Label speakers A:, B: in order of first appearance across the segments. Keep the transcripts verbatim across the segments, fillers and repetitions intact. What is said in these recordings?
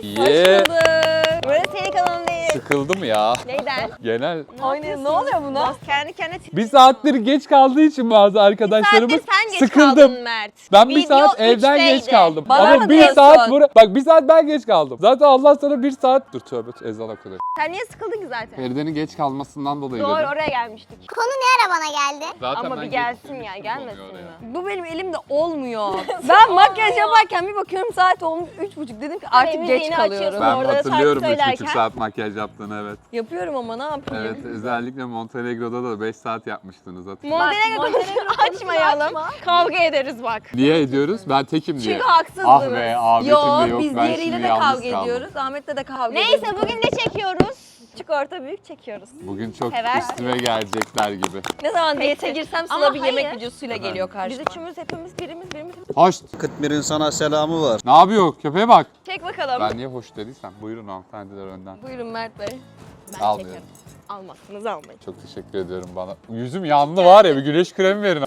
A: Yeah.
B: Böyle senin kanalın değil.
A: Sıkıldım ya.
B: Neyden?
A: Genel.
C: Aynen, ne oluyor buna?
B: Kendi kendine çık.
A: Bir saattir geç kaldığı için bazı arkadaşlarımız
B: Bir saattir sen geç
A: sıkıldım.
B: kaldın Mert.
A: Ben bir
B: Video
A: saat evden geç
B: üçteydi.
A: kaldım.
C: Bana
A: Ama
C: mı
A: bir
C: diyorsun?
A: saat bura... Bak bir saat ben geç kaldım. Zaten Allah sana bir saat... Dur tövbe ezan okudu.
B: Sen niye sıkıldın ki zaten?
A: Feride'nin geç kalmasından dolayı
B: Doğru
A: dedim.
B: oraya gelmiştik.
D: Konu ne ara bana geldi?
A: Zaten
B: Ama
A: ben
B: bir
A: geç
B: gelsin
A: kalmışım
B: ya,
A: oluyor
B: gelmesin
A: oraya.
B: mi?
C: Bu benim elimde olmuyor. Ben makyaj yaparken bir bakıyorum saat olmuş üç buçuk, dedim ki artık
B: müziğini
C: geç
B: açıyorsun.
C: kalıyorum.
A: Ben
B: Orada
A: hatırlıyorum
B: şarkı
A: üç buçuk
B: söylerken.
A: saat makyaj yaptığını evet.
C: Yapıyorum ama ne yapayım?
A: Evet özellikle Montenegro'da da beş saat yapmıştınız hatırlıyorum.
B: Montenegro konusunu açmayalım. Kavga ederiz bak.
A: Niye ediyoruz? Ben tekim diye.
B: Çünkü haksızdınız.
A: Ah be Ahmet'im
C: Yo,
A: de yok
C: biz
A: ben
C: diğeriyle
A: şimdi
C: de
A: yalnız
C: kavga
A: kaldım.
C: ediyoruz. Ahmet'le de kavga ediyoruz.
B: Neyse bugün ne çekiyoruz? Küçük orta büyük çekiyoruz.
A: Bugün çok
B: Sever.
A: üstüme gelecekler gibi.
C: Ne zaman
B: Peki.
C: diyete girsem
B: Ama
C: Sıla bir yemek
B: hayır.
C: videosuyla
A: Efendim?
C: geliyor
B: Biz
C: karşıma.
B: üçümüz hepimiz birimiz birimiz.
A: Hoş.
E: kırk birin sana selamı var.
A: Ne yapıyor? Köpeğe bak.
B: Çek bakalım.
A: Ben niye hoş dediysem. Buyurun hanımefendiler önden.
C: Buyurun Mert Bey.
B: Ben
A: Almıyorum.
B: çekerim. Almazsınız almayın.
A: Çok teşekkür ediyorum bana. Yüzüm yandı var ya bir güneş kremi verin.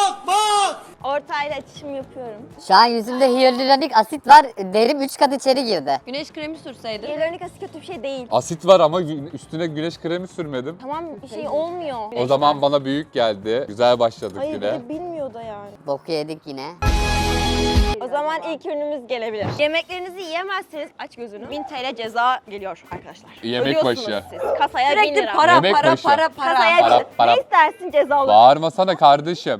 B: Ortayla açışım yapıyorum.
F: Şu an yüzümde hyaluronik asit var. Derim üç kat içeri girdi.
C: Güneş kremi sürseydin.
B: Hyaluronik asit kötü bir şey değil.
A: Asit var ama gü- üstüne güneş kremi sürmedim.
B: Tamam bir şey olmuyor.
A: O zaman bana büyük geldi. Güzel başladık
B: Hayır bir
A: güne.
B: de bilmiyor da yani.
F: Boku yedik yine.
B: O zaman ilk ürünümüz gelebilir. Yemeklerinizi yiyemezseniz aç gözünü. bin T L ceza geliyor arkadaşlar.
A: Yemek
B: Ödüyorsunuz
A: başı.
B: siz. Kasaya bin
C: Sürekli
B: lira.
C: para
A: Yemek
C: para
A: başı.
C: para para.
B: Kasaya
A: Para,
B: bin.
A: para.
B: Ne istersin cezalı?
A: Bağırmasana kardeşim.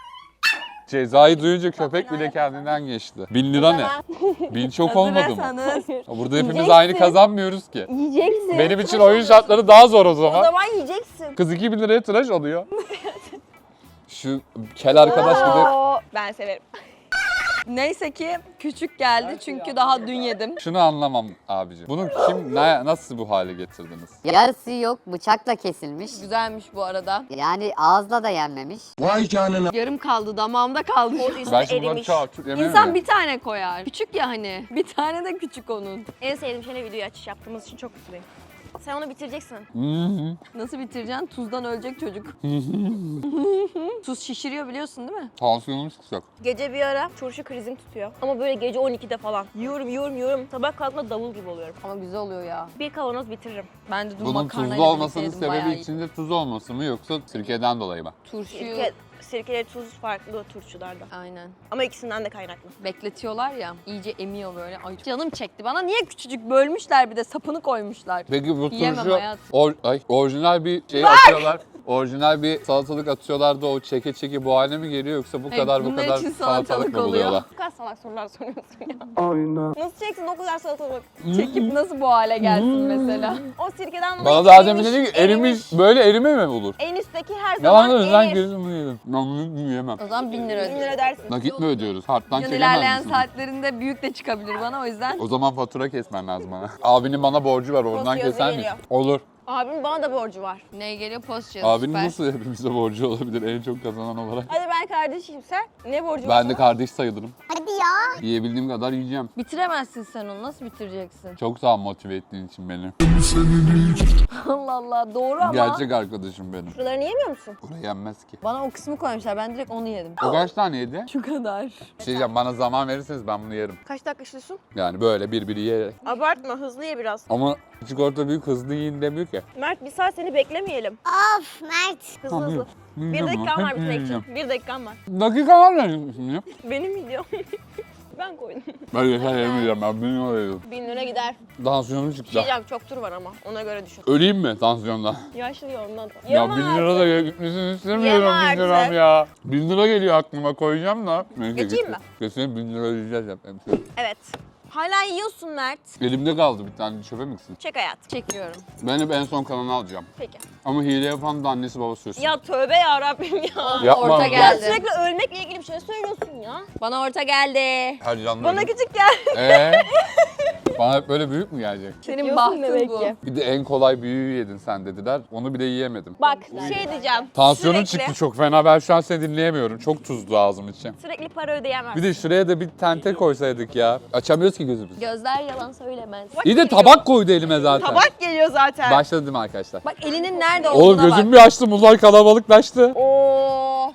A: Cezayı duyunca köpek bile kendinden geçti. Bin lira ne? Bin çok olmadı mı?
C: Hazırsanız.
A: Burada hepimiz
B: Yiyeceksin.
A: aynı kazanmıyoruz ki.
B: Yiyeceksin.
A: Benim için oyun şartları daha zor o
B: O
A: zaman.
B: zaman yiyeceksin.
A: Kız iki bin liraya tıraş oluyor. Şu kel arkadaş gibi.
B: Oo, ben severim.
C: Neyse ki küçük geldi çünkü daha dün yedim.
A: Şunu anlamam abicim. Bunu kim, ne, nasıl bu hale getirdiniz?
F: Yarısı yok, bıçakla kesilmiş.
C: Güzelmiş bu arada.
F: Yani ağızla da yenmemiş.
E: Vay canına.
C: Yarım kaldı, damağımda kaldı.
B: O üstü
A: Ben şimdi bunları
B: erimiş.
A: çok çok yemem
C: İnsan
A: mi?
C: bir tane koyar. Küçük ya hani. Bir tane de küçük onun.
B: En sevdiğim şeyle videoyu açış yaptığımız için çok mutluyum. Sen onu bitireceksin.
A: Hı hı.
C: Nasıl bitireceksin? Tuzdan ölecek çocuk. Tuz şişiriyor biliyorsun değil mi?
A: Tansiyonum çıkacak.
B: Gece bir ara turşu krizim tutuyor. Ama böyle gece on ikide falan. Yiyorum yiyorum yiyorum. Sabah kalktığımda davul gibi oluyorum.
C: Ama güzel oluyor ya.
B: Bir kavanoz bitiririm.
C: Ben de dün
A: Bunun
C: makarnayla
A: tuzlu olmasının
C: birlikte yedim, bayağı
A: sebebi
C: iyi.
A: içinde tuz olması mı yoksa sirkeden dolayı mı?
C: Turşuyu
B: Sirke, sirkeli tuz farklı turşularda.
C: aynen.
B: Ama ikisinden de kaynaklı.
C: Bekletiyorlar ya, iyice emiyor böyle. Ay canım çekti. Bana niye küçücük bölmüşler bir de sapını koymuşlar.
A: Peki bu
C: Yiyemem
A: turşu
C: hayatım.
A: or, ay, orijinal bir şey atıyorlar. Orijinal bir salatalık atıyorlar da o çeke çeke bu hale mi geliyor yoksa bu
C: Hayır,
A: kadar bu
C: bunlar
A: kadar
C: için
A: salatalık,
C: salatalık
A: mı
C: oluyor.
A: buluyorlar?
B: Bu kadar salak sorular soruyorsun ya. Aynen. Nasıl çeksin o kadar salatalık?
C: Çekip nasıl bu hale gelsin mesela?
B: O sirkeden dolayı
A: Bana daha demin dedi ki erimiş, böyle erime mi olur?
B: En üstteki her
A: Yalan
B: zaman
A: söylüyorsun lan
B: erir.
A: gözümü yedim. Ben bunu yiyemem.
C: O zaman bin lira
B: Bin lira
C: ödeyeceğim.
B: dersin.
A: Nakit mi ödüyoruz? Harptan
C: Yani
A: çekemez
C: ilerleyen
A: misin?
C: saatlerinde büyük de çıkabilir bana o yüzden.
A: O zaman fatura kesmen lazım bana. Abinin bana borcu var oradan
B: Post yazı
A: keser miyiz?
B: geliyor.
A: Olur.
B: Abimin bana da borcu var.
C: Ne geliyor? Post yazı.
A: Abinin
C: süper.
A: nasıl hepimize borcu olabilir en çok kazanan olarak?
B: Hadi ben kardeşim sen. Ne borcu var?
A: Ben de kardeş sayılırım.
D: Hadi ya.
A: Yiyebildiğim kadar yiyeceğim.
C: Bitiremezsin sen onu. Nasıl bitireceksin?
A: Çok sağ ol motive ettiğin için beni.
C: Allah Allah doğru ama.
A: Gerçek arkadaşım benim.
B: Şuralarını yemiyor musun?
A: Oraya yenmez ki.
C: Bana o kısmı koymuşlar. Ben direkt onu yedim.
A: O kaç tane yedi?
C: Şu kadar.
A: Bir şey diyeceğim bana zaman verirseniz ben bunu yerim.
B: Kaç dakika işliyorsun?
A: Yani böyle bir biri yiyerek.
B: Abartma hızlı ye biraz.
A: Ama küçük orta büyük hızlı yiyin demiyor ki.
B: Mert bir saat seni beklemeyelim.
D: Of Mert.
B: Hızlı
A: Tamam,
B: hızlı.
A: yiyeyim.
B: Bir
A: Yiyeceğim
B: dakikan
A: ama.
B: var bitirmek
A: Yiyeceğim.
B: için. Bir dakikan var.
A: Dakika var mı şimdi ya?
B: Benim videom. Ben koydum.
A: Ben yeter yemeyeceğim ben bin lira yedim.
B: Bin lira gider.
A: Tansiyonum çıktı.
B: Diyeceğim çok tur var ama ona göre düşün.
A: Öleyim mi tansiyondan?
B: Yaşlıyor ondan.
A: Ya bin lira da gitmesini istemiyorum
B: Yeme
A: bin liram
B: artık.
A: ya. Bin lira geliyor aklıma koyacağım da. Neyse,
B: Geçeyim
A: getir.
B: mi?
A: Kesin bin lira ödeyeceğiz hep. hemşire.
B: Evet. Hala yiyorsun Mert.
A: Elimde kaldı bir tane çöpe mi gitsin?
B: Çek hayat.
C: Çekiyorum.
A: Ben hep en son kalanı alacağım.
B: Peki.
A: Ama hile yapan da annesi babası sürsün.
B: Ya tövbe ya Rabbim ya.
A: Yapma.
C: Orta
B: Ya
C: geldi.
B: sürekli ölmekle ilgili bir şey söylüyorsun ya.
C: Bana orta geldi.
A: Her canlı
B: Bana
A: ölüm.
B: küçük gel.
A: Ee? Bana hep böyle büyük mü gelecek?
C: Senin
B: Yiyorsun
C: bahtın
B: demek
C: bu.
B: ki.
A: Bir de en kolay büyüğü yedin sen dediler. Onu bile yiyemedim.
B: Bak şey diyeceğim.
A: Tansiyonum
B: sürekli,
A: çıktı çok fena. Ben şu an seni dinleyemiyorum. Çok tuzlu ağzım için.
B: Sürekli para ödeyemez.
A: Bir de şuraya da bir tente koysaydık ya. Açamıyoruz ki gözümüzü.
C: Gözler yalan söylemez.
A: İyi de tabak koydu elime zaten.
B: Tabak geliyor zaten.
A: Başladım arkadaşlar.
C: Bak elinin nerede
A: Oğlum
C: olduğuna
A: gözümü
C: bak.
A: bir açtım. Bunlar kalabalıklaştı.
B: Oo.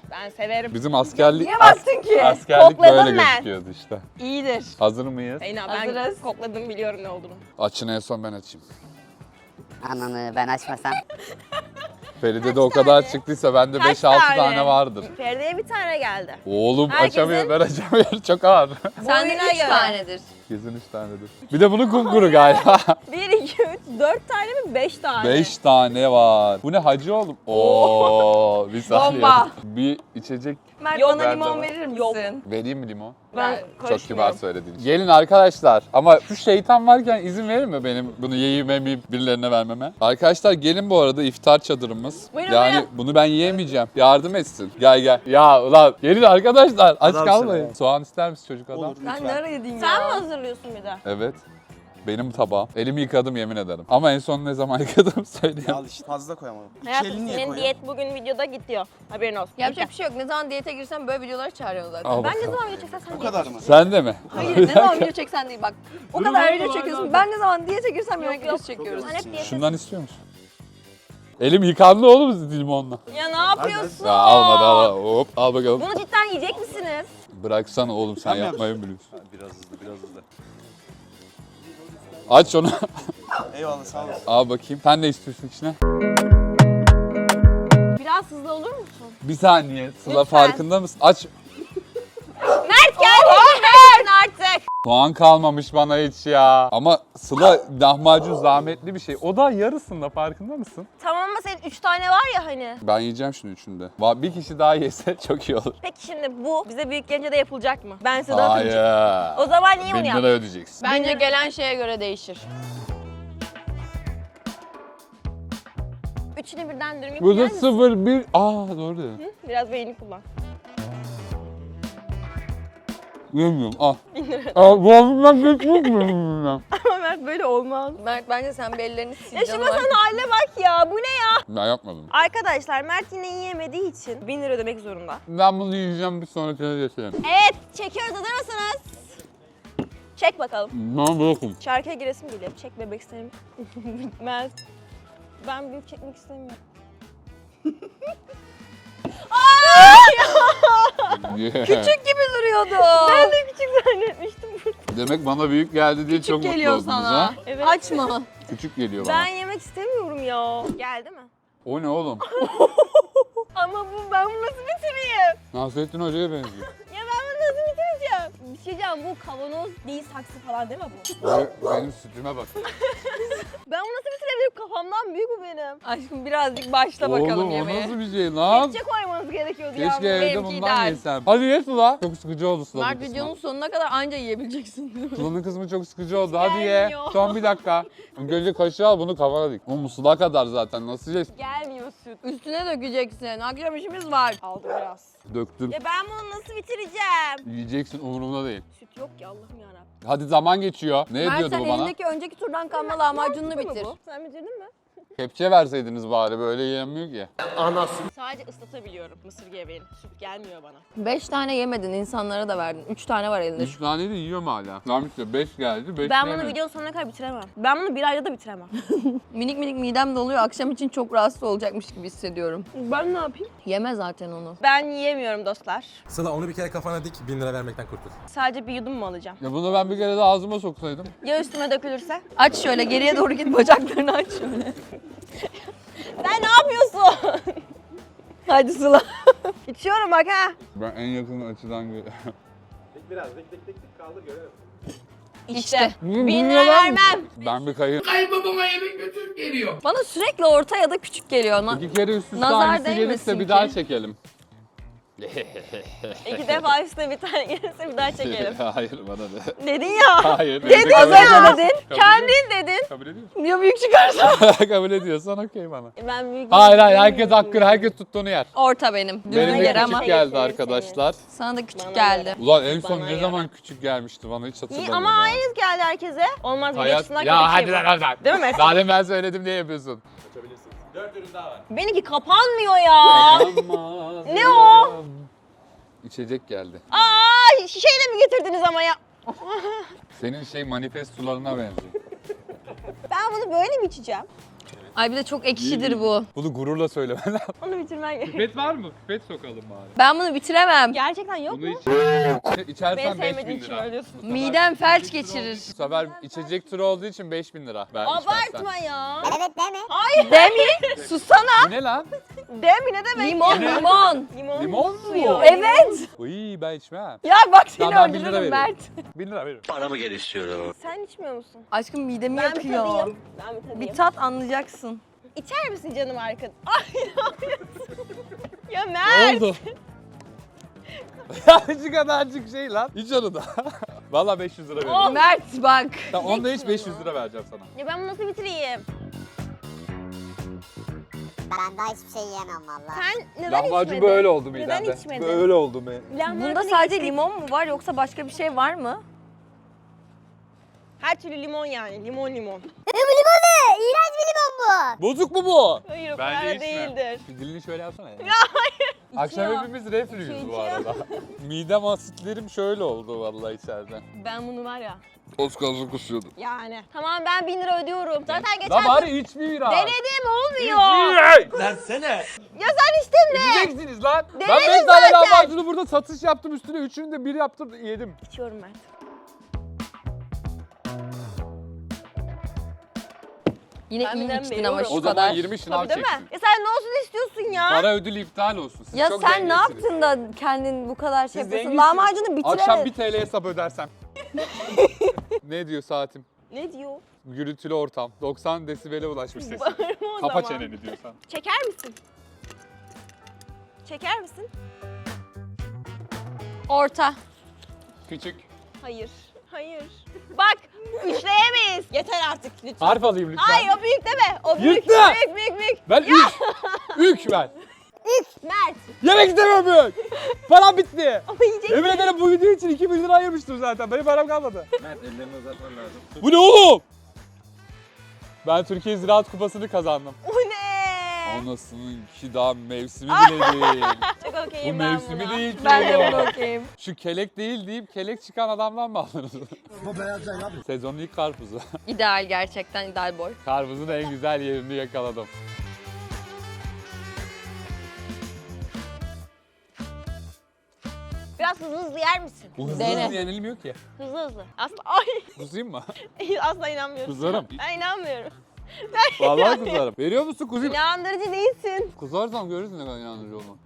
B: Ben severim.
A: Bizim askerlik
C: Niye baktın ki?
A: askerlik
B: Kokladım
A: böyle
B: ben.
A: gözüküyordu işte.
C: İyidir.
A: Hazır mıyız?
B: Zeyna ben
C: Hazırız.
B: kokladım biliyorum ne olduğunu.
A: Açın en son ben açayım.
F: Ananı ben açmasam.
A: Feride de o kadar
B: tane?
A: çıktıysa bende
B: Kaç
A: beş altı
B: tane?
A: tane vardır.
B: Feride'ye bir tane geldi.
A: Oğlum
B: Herkesin-
A: açamıyor, ben açamıyorum. Çok ağır.
C: Sende
B: Boyuna
C: üç
B: göre.
C: tanedir.
A: Kesin üç tanedir. Bir de bunun kumkuru galiba.
B: bir, iki, üç, dört tane mi? beş tane.
A: Beş tane var. Bu ne hacı oğlum? Oo, bir saniye.
C: Bomba.
A: Bir içecek
C: Mert
B: Yok,
C: bana
A: ben
C: limon
A: de-
C: verir misin?
B: Yok.
A: vereyim mi limon?
B: Ben
A: Çok kibar
B: karışmıyorum.
A: söyledin. Gelin arkadaşlar ama şu şeytan varken izin verir mi benim bunu yiyeyim yemeyip birilerine vermeme? Arkadaşlar gelin bu arada iftar çadırımız.
B: Buyurun,
A: yani
B: buyurun.
A: bunu ben yiyemeyeceğim. Yardım etsin. Gel gel. Ya ulan gelin arkadaşlar aç
E: Adamsın
A: kalmayın.
E: ya.
A: Soğan ister misin çocuk adam?
E: Olur
C: Sen ne
E: lütfen.
C: ara yedin ya?
B: Sen mi hazırlıyorsun bir de?
A: Evet. Benim tabağım. Elimi yıkadım yemin ederim. Ama en son ne zaman yıkadım söyleyeyim.
E: Al işte fazla koyamadım. İki
B: Hayatım
E: elini niye
B: senin
E: koyuyorsun?
B: diyet bugün videoda gidiyor. Haberin olsun.
C: Yapacak bir şey yok. Ne zaman diyete girsem böyle videoları çağırıyorsun zaten.
A: Al
B: Ben ne
A: bakalım.
B: zaman video çeksem sen
E: Bu kadar mı?
A: Sen de mi?
C: Hayır ne zaman video çeksen değil bak. O kadar video çekiyorsun. Ben ne zaman diyete girsem yemek videosu çekiyoruz.
B: Sen hep diyet.
A: Şundan istiyor musun? Elim yıkandı oğlum limonla.
B: Ya ne yapıyorsun?
A: Ya almadı al. Hop al bakalım.
B: Bunu cidden yiyecek misiniz?
A: Bıraksana oğlum sen
E: Ben mi
A: yapmayı mı biliyorsun?
E: Ha, biraz hızlı biraz hızlı.
A: Aç onu.
E: Eyvallah sağ olasın.
A: Al bakayım. Sen ne istiyorsun içine?
B: Biraz hızlı olur musun?
A: Bir saniye. Sıla
B: Lütfen.
A: farkında mısın? Aç.
B: Mert geldi. Mert artık.
A: Soğan kalmamış bana hiç ya. Ama Sıla lahmacun zahmetli bir şey. O da yarısında farkında mısın?
B: Tamam ama senin üç tane var ya hani.
A: Ben yiyeceğim şunu üçünü de. Va- Bir kişi daha yese çok iyi olur.
B: Peki şimdi bu bize büyük gelince de yapılacak mı? Ben size dağıtacağım.
A: Hayır.
B: O zaman niye
A: Bin
B: bunu
A: lira
B: yaptın?
A: ödeyeceksin.
C: Bence gelen şeye göre değişir.
B: Üçünü birden dürüm
A: Bu da
B: yapacak mısın?
A: sıfır bir. Aa doğru dedin.
B: Biraz beynini kullan.
A: Yemiyorum. Al. Al boğazımdan geçmiş mi?
B: Ama Mert böyle olmaz.
C: Mert bence sen bir ellerini sil
B: Ya şu
C: canım
B: masanın
C: artık.
B: haline bak ya. Bu ne ya?
A: Ben yapmadım.
B: Arkadaşlar Mert yine yiyemediği için bin lira ödemek zorunda.
A: Ben bunu yiyeceğim bir sonrakine geçelim.
B: Evet çekiyoruz, hazır mısınız? Çek bakalım.
A: Ben bırakın.
B: Şarkıya giresim geliyor. Çek bebek isterim. Mert. Ben büyük çekmek istemiyorum.
C: Küçük gibi duruyordu.
B: Ben de küçük zannetmiştim.
C: Demek
A: bana büyük geldi diye
C: Küçük
A: çok mutlu
C: geliyor
A: oldunuz
C: sana.
A: ha.
B: Evet.
C: Açma.
A: Küçük geliyor bana.
B: Ben yemek istemiyorum ya. Geldi mi?
A: O ne oğlum?
B: Ama bu ben bunu nasıl bitireyim?
A: Nasrettin Hoca'ya benziyor.
B: Ya ben bunu nasıl bitireceğim? Bir şey diyeceğim, bu kavanoz değil saksı falan değil mi bu?
A: Ve benim sütüme bak.
B: Ben bunu nasıl bitirebilirim? Kafamdan büyük bu benim.
C: Aşkım birazcık başla bakalım
A: Oğlum o
C: yemeğe.
A: nasıl bir şey lan?
B: Kepçe koymanız gerekiyordu ya.
A: Keşke evde
C: benimki
A: bundan
C: ideal.
A: yesem. Hadi ye Sıla. Çok sıkıcı oldu Sıla'nın
C: Mert
A: kısmı.
C: videonun sonuna kadar anca yiyebileceksin.
A: Sıla'nın kısmı çok sıkıcı oldu. Hadi ye.
B: Gelmiyor.
A: Son bir dakika. Önce kaşığı al bunu kafana dik. Oğlum Sıla kadar zaten nasıl yiyeceksin?
B: Gelmiyor süt.
C: Üstüne dökeceksin. Akşam işimiz var.
B: Aldı biraz.
A: Döktüm.
B: Ya ben bunu nasıl bitireceğim?
A: Yiyeceksin umurumda değil.
B: Süt yok ki Allah'ım yarabbim.
A: Hadi zaman geçiyor. Ne
C: Mert
A: ediyordu
C: sen
A: bu bana?
C: elindeki önceki turdan kalma lahmacununu
B: Mantıklı mı
C: bitir.
B: bu? Sen bitirdin mi?
A: Kepçe verseydiniz bari böyle yiyemiyor ki.
B: Sadece ıslatabiliyorum mısır gevreğini. Süt gelmiyor bana.
C: Beş tane yemedin, insanlara da verdin. Üç tane var elinde.
A: Üç tane de yiyorum hala. Tamam işte beş geldi. Beş
B: Ben bunu
A: yemedim.
B: videonun sonuna kadar bitiremem. Ben bunu bir ayda da bitiremem.
C: Minik minik midem doluyor. Akşam için çok rahatsız olacakmış gibi hissediyorum.
B: Ben ne yapayım?
C: Yeme zaten onu.
B: Ben yiyemiyorum dostlar.
G: Sıla onu bir kere kafana dik, bin lira vermekten kurtul.
B: Sadece bir yudum mu alacağım?
A: Ya bunu ben bir kere de ağzıma soksaydım.
B: Ya üstüme dökülürse?
C: Aç şöyle geriye doğru git, bacaklarını aç şöyle.
B: Sen ne yapıyorsun?
C: Hadi Sıla.
B: İçiyorum bak ha.
A: Ben en yakın açıdan görüyorum.
C: İşte.
B: Bin lira vermem.
A: Ben bir kayın.
C: Bana sürekli orta ya da küçük geliyor. Na-
A: İki kere üst üste
C: Nazar
A: aynısı gelirse
C: değmesin
A: bir
C: ki.
A: daha çekelim.
B: İki defa üstüne bir tane gelirse bir daha çekelim.
A: Hayır bana de.
B: Dedin ya.
A: Hayır.
B: Dedin
A: kabul
B: ya.
A: ediyorum.
B: Dedin.
A: Kabul
B: Kendin dedin.
A: Kabul ediyorsun.
C: Ya büyük çıkarsa?
A: Kabul ediyorsan okey bana.
B: Ben büyük
A: Hayır hayır herkes hakkını herkes tuttuğunu yer.
C: Orta benim.
A: Benim
C: Düzgün
A: de
C: yer
A: küçük
C: ama.
A: geldi
B: Senin,
A: arkadaşlar.
C: Sana da küçük
B: Bana
C: geldi.
A: Ulan en son
B: Bana
A: ne
B: göre.
A: zaman küçük gelmişti bana hiç hatırlamıyorum.
B: İyi ama
A: ha.
B: aynı geldi herkese. Olmaz bir
A: Hayat...
B: açısından
A: Ya hadi
B: kötü
A: lan
B: şey bu.
A: hadi lan.
B: Değil mi Mesut?
A: Zaten ben söyledim diye yapıyorsun.
B: Benimki kapanmıyor ya. Ne o?
A: İçecek geldi.
B: Aa, şişeyle mi getirdiniz ama ya?
A: Senin şey manifest sularına benziyor.
B: Ben bunu böyle mi içeceğim?
C: Ay bir de çok ekşidir bu.
A: Bunu gururla söylemen lazım.
B: Onu bitirmen gerekiyor.
A: Pipet var mı? Pipet sokalım bari.
C: Ben bunu bitiremem.
B: Gerçekten yok
A: Bunu
B: mu?
A: iç.
B: Beni
A: İçersen beş
B: sevmediğin
A: bin
B: için
A: lira.
B: ölüyorsun.
C: Midem felç geçirir.
A: Bu sefer içecek turu olduğu için beş bin lira. Ben
B: Abartma ya.
D: Evet değil mi?
C: Demi, susana.
A: Bu ne lan?
B: Demi ne demek?
C: Limon,
A: Ne?
C: limon.
B: Limon,
A: Limon mu?
B: suyu.
C: Evet.
A: Uy ben içmem.
C: Ya bak seni
A: Tamam, ben bin lira
C: öldürürüm
A: veririm.
C: Mert.
A: bin lira veririm.
B: Sen içmiyor musun?
C: Aşkım midemi
B: Ben bir
C: yakıyor.
B: tadayım. Ben bir tadayım.
C: Bir tat anlayacaksın.
B: İçer misin canım arkadaş? Ay ne yapıyorsun? Ya
A: Ne
B: Mert.
A: oldu? Ya şu kadarcık şey lan. İç onu da. Valla beş yüz lira veririm.
C: Mert bak.
A: Tamam onda hiç beş yüz lira vereceğim sana.
B: Ya ben bunu nasıl bitireyim?
D: Ben daha hiçbir şey yiyemem valla.
B: Sen neden
A: Lahmacun
B: içmedin?
A: böyle oldu
B: Neden
A: midemde.
B: içmedin?
A: Böyle oldu mu?
B: Lahmacun
C: Bunda
B: içtik.
C: sadece limon mu var yoksa başka bir şey var mı?
B: Her türlü limon yani. Limon limon.
D: E bu limon ne? İğrenç bir limon bu.
A: Bozuk mu bu?
B: Hayır o
A: Bence
B: kadar
A: içme.
B: değildir.
A: Bir dilini şöyle yapsana ya.
B: hayır.
A: Akşam
B: İçiyor.
A: hepimiz reflüyüz
B: Su
A: bu
B: içiyor.
A: arada. Midem asitlerim şöyle oldu vallahi içeriden.
B: Ben bunu var ya.
A: Oscar'ı kusuyordum.
B: Yani. Tamam ben bin lira ödüyorum. Zaten geçen
A: La bari iç bir biraz.
B: denedim olmuyor.
E: Versene.
B: Ya sen içtin mi?
A: Yiyeceksiniz lan. Ben
B: Denedim
A: beş tane
B: zaten.
A: lahmacunu burada satış yaptım üstüne. Üçünü de bir yaptım yedim.
B: İçiyorum ben.
C: Yine
B: Ben
C: iyi
B: birden
C: içtin ama
B: veriyorum.
C: şu
A: O zaman
C: kadar.
A: yirmi şınav
B: Tabii değil
A: çeksin.
B: mi? Ya sen ne olsun istiyorsun ya?
A: Para ödülü iptal olsun. Siz
C: Ya
A: çok
C: sen ne
A: zenginsiniz.
C: yaptın da kendin bu kadar şey
A: Siz
C: yapıyorsun?
A: zenginsiniz.
C: Lahmacunu
A: Akşam
C: bitiremedin.
A: bir T L hesap ödersem. Ne diyor saatim?
B: Ne diyor?
A: Gürültülü ortam. doksan desibele ulaşmış sesin.
B: Bağırma o
A: Kapa
B: zaman.
A: çeneni diyorsan.
B: Çeker misin? Çeker misin?
C: Orta.
A: Küçük.
B: Hayır. Hayır. Bak üçleyemeyiz. Yeter artık lütfen.
A: Harf alayım lütfen.
B: Hayır o büyük deme. O büyük.
A: Yırttı.
B: Büyük büyük büyük.
A: Ben üç. Ük ben.
B: Mert.
A: Yemek istemiyorum büyük. Param bitti.
B: Ama yiyecek.
A: Yemin ederim bu video için iki bin lira ayırmıştım zaten. Benim param kalmadı.
E: Mert ellerini uzatman lazım.
A: Bu ne oğlum? Ben Türkiye Ziraat Kupası'nı kazandım.
B: Bu ne?
A: Anasının ki daha mevsimi bile değil.
B: Çok
A: Bu
B: okeyim ben
A: mevsimi
B: buna.
A: değil ki.
C: Ben de
A: oğlum.
C: bunu okuyayım.
A: Şu kelek değil deyip kelek çıkan adamdan mı aldınız? Bu beyaz değil abi. Sezonun ilk karpuzu.
C: İdeal gerçekten ideal boy.
A: Karpuzun en güzel yerini yakaladım.
B: Biraz hızlı hızlı yer misin?
A: Bu hızlı
C: Dene.
A: hızlı yenilmiyor ki.
B: Hızlı hızlı. Asla ay
A: Kuzayım mı?
B: asla inanmıyorum.
A: Kuzarım.
B: Ben inanmıyorum.
A: Vallahi kuzarım. Veriyor musun kuzayım?
B: İnandırıcı değilsin.
A: Kuzarsam görürsün ne kadar inandırıcı olduğunu.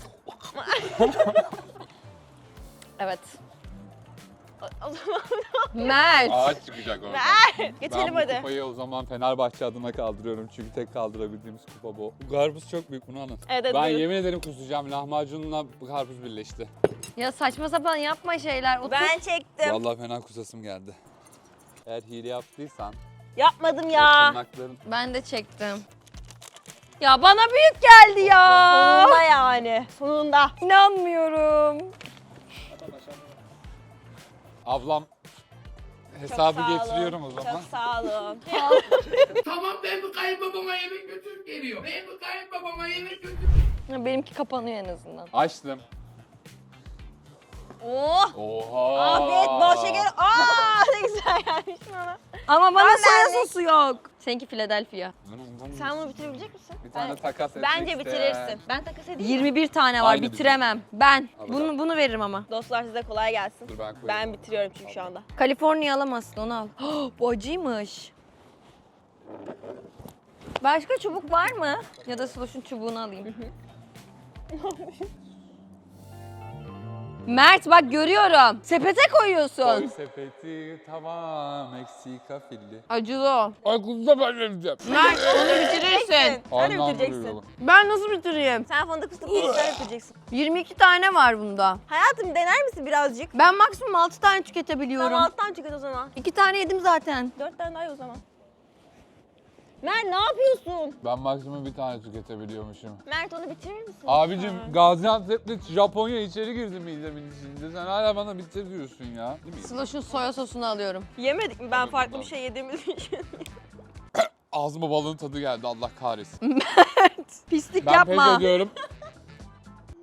C: Evet.
B: O, o zaman
C: Mert.
A: Ağaç çıkacak orada.
B: ver. Geçelim
A: Ben bu
B: hadi.
A: kupayı o zaman Fenerbahçe adına kaldırıyorum çünkü tek kaldırabildiğimiz kupa bu. Bu karpuz çok büyük, bunu anlat.
B: Evet, evet,
A: Ben
B: buyurun.
A: yemin ederim kusacağım, lahmacunla bu karpuz birleşti.
C: Ya saçma sapan yapma şeyler. Otur.
B: Ben çektim.
A: Vallahi fena kusasım geldi. Eğer hile yaptıysan,
B: Yapmadım
A: o
B: ya.
A: tırnakların...
C: Ben de çektim. Ya bana büyük geldi ya.
B: Sonunda yani. Sonunda.
C: İnanmıyorum.
A: Ablam
B: Çok
A: hesabı
B: sağ olun.
A: getiriyorum o zaman.
B: Çok sağ olun.
H: Tamam ben bu kayınbabama yemek götürüp geliyor. Ben bu kayınbabama yemek götürüp
C: Ya benimki kapanıyor en azından.
A: Açtım.
B: Oh.
A: Oha!
B: Afiyet bol şeker. Aa ne güzel gelmiş bana.
C: Ama bana
B: Ben
C: soya
B: beğendim.
C: sosu yok. Seninki Philadelphia.
B: Sen bunu bitirebilecek misin?
A: Bir tane
B: Ben-
A: takas etmek
B: Bence
A: isteyen.
B: bitirirsin. Ben takas edeyim mi?
C: yirmi bir tane var
A: Aynı
C: bitiremem. Ben.
A: Al
C: Bunu
A: bakalım.
C: bunu veririm ama.
B: Dostlar size kolay gelsin.
A: Dur ben koyayım.
B: Ben bitiriyorum çünkü şu anda.
C: Kaliforniya alamazsın onu al. Bu acıymış. Başka çubuk var mı? Ya da Sloş'un çubuğunu alayım. Mert bak görüyorum. Sepete
A: Koy
C: koyuyorsun.
A: sepeti tamam Meksika filli.
C: Acılı o.
A: Ay kuzuda ben vereceğim.
C: Mert onu bitirirsin.
B: Sen de
A: Anlam
B: bitireceksin.
A: vuruyor.
C: Ben nasıl bitireyim?
B: Sen fındık fıstık yiyecekler bitireceksin.
C: yirmi iki tane var bunda.
B: Hayatım dener misin birazcık?
C: Ben maksimum altı tane tüketebiliyorum.
B: Tamam alttan çıkart o zaman.
C: iki tane yedim zaten.
B: Dört tane daha ye o zaman. Mert ne yapıyorsun?
A: Ben maksimum bir tane tüketebiliyormuşum.
B: Mert onu bitirir misin?
A: Abicim
B: lütfen?
A: Gaziantep'te Japonya içeri girdi midemin içinde. Sen hala bana bitir diyorsun ya. Değil mi?
C: Sloş'un soya sosunu alıyorum.
B: Yemedik mi? Ben farklı bir şey yediğimiz için.
A: Ağzıma balığın tadı geldi Allah kahretsin.
C: Pislik
A: Ben
C: yapma.
A: pes ediyorum.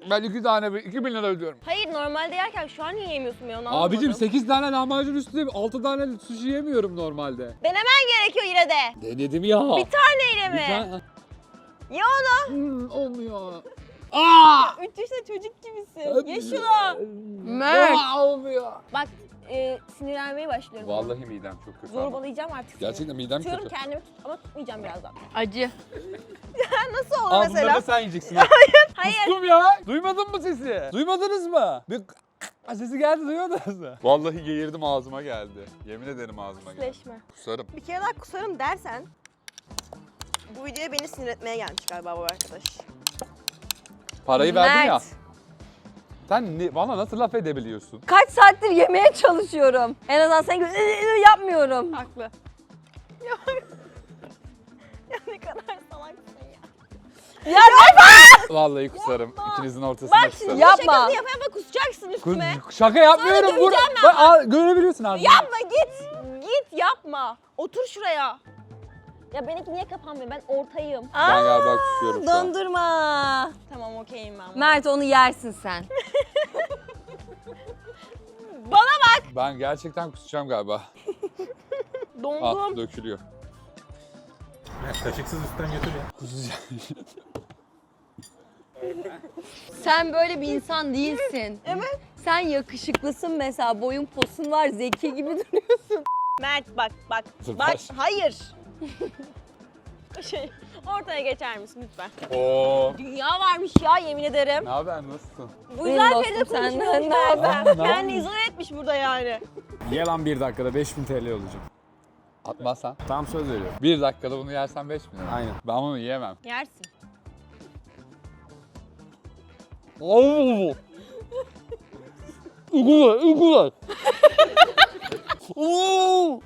A: Ben iki tane, iki bin lira ödüyorum.
B: Hayır normalde yerken şu an niye yemiyorsun ben onu anlamadım.
A: Abicim sekiz tane lahmacun üstüne altı tane sushi yemiyorum normalde.
B: Denemen gerekiyor yine de.
A: Denedim ya.
B: Bir taneyle mi?
A: Bir tane.
B: Ye onu.
A: Hmm, olmuyor. Aa!
B: Üç yaşında çocuk gibisin. Ye şunu.
C: Mert.
A: Aa, olmuyor.
B: Bak e, sinirlenmeye başlıyorum.
A: Vallahi midem çok kötü. ama.
B: Zorbalayacağım artık seni.
A: Gerçekten midem
B: Tutuyorum
A: kötü.
B: kendimi tut ama tutmayacağım birazdan.
C: Acı.
B: Nasıl olur
A: Aa, bunları
B: mesela?
A: da sen yiyeceksin. ha.
B: Hayır.
A: Kustum ya. Duymadın mı sesi? Duymadınız mı? Bir Aa, sesi geldi, duymadınız mı? Vallahi geğirdim, ağzıma geldi. Yemin ederim ağzıma geldi.
B: Pisleşme.
A: Kusarım.
B: Bir kere daha kusarım dersen bu videoya beni sinir etmeye gelmiş galiba bu arkadaş.
A: Parayı verdin ya.
C: Mert.
A: Sen ne, bana nasıl laf edebiliyorsun?
C: Kaç saattir yemeye çalışıyorum. En azından sen gibi yapmıyorum.
B: Haklı. Ya, ya ne kadar salaksın ya.
C: Ya yapma!
A: Vallahi kusarım. İkinizin ortasına
B: Bak
A: kusarım.
B: şimdi
C: Yapma.
B: şakası yapa yapa kusacaksın
A: Kus-
B: üstüme.
A: şaka yapmıyorum.
B: Sonra
A: Bur-
B: döveceğim
A: Bak, aa, görebiliyorsun abi.
B: Yapma git. Git yapma. Otur şuraya. Ya benimki niye kapanmıyor? Ben ortayım.
A: Ben galiba kusuyorum şu an.
C: Dondurma.
B: Tamam okeyim ben.
C: Mert onu yersin sen.
B: Bana bak.
A: Ben gerçekten kusacağım galiba.
B: Dondum.
A: Ah, dökülüyor.
G: Ya, kaşıksız üstten götür ya.
A: Kusacağım.
C: Sen böyle bir insan değilsin.
B: Evet.
C: Sen yakışıklısın mesela. Boyun posun var. Zeki gibi duruyorsun.
B: Mert bak bak.
A: Dur,
B: Bak
A: baş.
B: hayır. Şey ortaya geçer misin lütfen?
A: Oo.
B: Dünya varmış ya yemin ederim.
A: Ne haber, nasılsın?
B: Bu
C: Benim
B: yüzden
C: dostum
B: Feride
C: senden
B: konuşmuyor.
C: ne haber?
A: Ne
B: Kendini
A: yapıyorsun?
B: izole etmiş burada yani.
E: Ye lan bir dakikada beş bin T L olacak.
A: Atmazsan.
E: Tam söz veriyorum.
A: Bir dakikada bunu yersen beş bin lira.
E: Aynen.
A: Ben bunu yiyemem.
B: Yersin.
A: Oo. Uygula, uygula. Oo.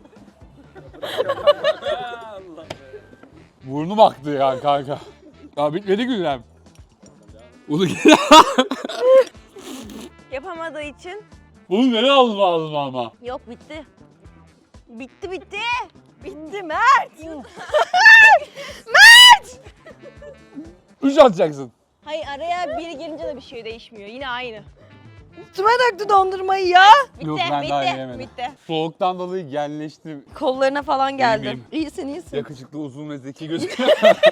A: Burnum aktı ya kanka. Ya bitmedi güzel. Bunu
B: Yapamadığı için.
A: Bunu nereye aldın ağzıma ama?
B: Yok bitti. Bitti bitti. Bitti Mert.
A: Üç atacaksın.
B: Hayır araya biri girince de bir şey değişmiyor. Yine aynı.
C: Üstüme döktü dondurmayı ya.
B: Bitti,
A: Yok, ben
B: bitti,
A: daha yiyemedim.
B: bitti.
A: Soğuktan dolayı genleştim.
C: Kollarına falan geldi.
A: İyiyim.
C: İyisin iyisin.
A: Yakışıklı, uzun ve zeki gözüküyor.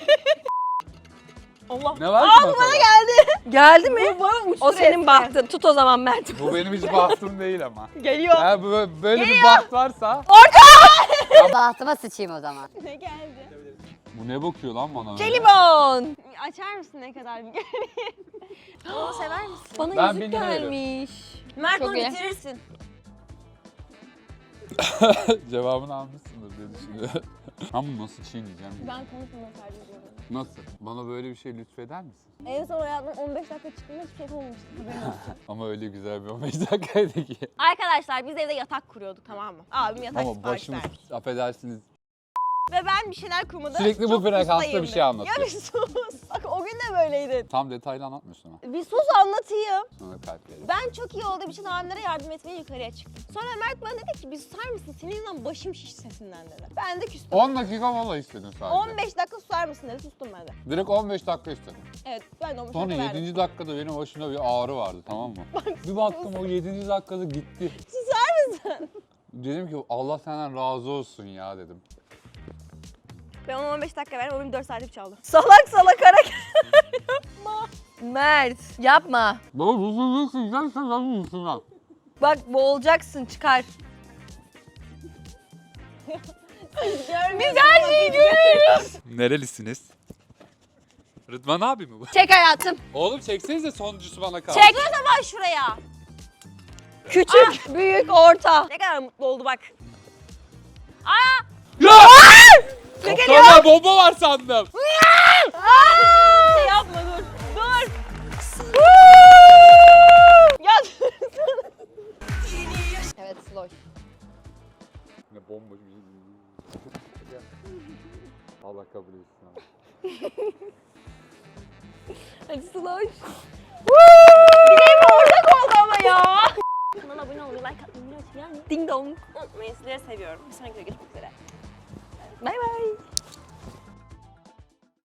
B: Allah.
A: Ne var ki
B: Aa, bu bana
A: masada?
B: geldi.
C: Geldi mi?
B: Bu bana uçtu
C: O senin
B: resmen.
C: bahtın. Tut o zaman Mert.
A: Bu benim hiç bahtım değil ama.
B: Geliyor.
A: Eğer bu- böyle bir baht varsa...
F: Bahtıma sıçayım o zaman.
B: Ne geldi?
A: Bu ne bakıyor lan bana öyle?
C: Jelibon.
B: Açar mısın ne kadar bir göreyim? Onu sever misin?
C: Bana
A: Ben
C: yüzük
A: bin lira veriyorum.
C: gelmiş.
B: Mert
C: Çok
B: onu
C: iyi.
B: bitirirsin.
A: Cevabını almışsındır diye düşünüyorum. Ben bunu nasıl çiğneyeceğim?
B: Ben konuşmamaya tercih ediyorum.
A: Nasıl? Bana böyle bir şey lütfeder misin?
B: En son hayatımın on beş dakika çıktığında hiçbir şey olmamıştı. Haberin olsun.
A: Ama öyle güzel bir on beş dakikaydı ki.
B: Arkadaşlar biz evde yatak kuruyorduk tamam mı? Abim yatak
A: Ama
B: sipariş
A: başımız,
B: vermiş.
A: affedersiniz.
B: Ve ben bir şeyler kurmadı.
A: Sürekli bu
B: çok
A: frekansta
B: ustayım
A: bir şey
B: de.
A: anlatıyor.
B: Ya bir sus. Bak o gün de böyleydin.
A: Tam detaylı anlatmıyorsun ama.
B: Bir sus anlatayım.
A: Sonra kalp verir.
B: Ben çok iyi olduğum için abimlere yardım etmeye yukarıya çıktım. Sonra Mert bana dedi ki bir susar mısın? Senin yüzünden başım şiş sesinden dedi. Ben de küstüm.
A: on dakika mola istedin sadece.
B: on beş dakika susar mısın dedi. Sustum ben de.
A: Direkt on beş dakika istedim.
B: Evet ben de on beş
A: Sonra
B: dakika verdim.
A: yedinci dakikada benim başımda bir ağrı vardı, tamam mı? Bir baktım o yedinci dakikada gitti.
B: Susar mısın?
A: Dedim ki Allah senden razı olsun ya dedim.
B: Ben ona on beş dakika verdim. O benim dört saatlik çaldı.
C: Salak salak hareketler yapma. Mert yapma.
A: Baba bu sözü sıcaksa ben misin lan?
C: Bak boğulacaksın çıkar.
B: Biz her şeyi görüyoruz.
A: Nerelisiniz? Rıdvan abi mi bu?
C: Çek hayatım.
A: Oğlum çeksenize sonuncusu bana kaldı.
C: Çek.
B: Dur o zaman şuraya.
C: Küçük, büyük, orta.
B: Ne kadar mutlu oldu bak.
A: Ya! Kaptanlar bomba var sandım.
B: Şey yapma dur. Dur. Ya
C: Evet slow.
A: Ne bomba bir şey. Allah kabul etsin abi.
C: Hadi slow.
B: Bileğim ortak oldu ama ya. Kanala abone olmayı, like atmayı unutmayın.
C: Ding dong.
B: Unutmayın sizleri seviyorum. Bir sonraki videoda görüşmek üzere.
C: Bay bay.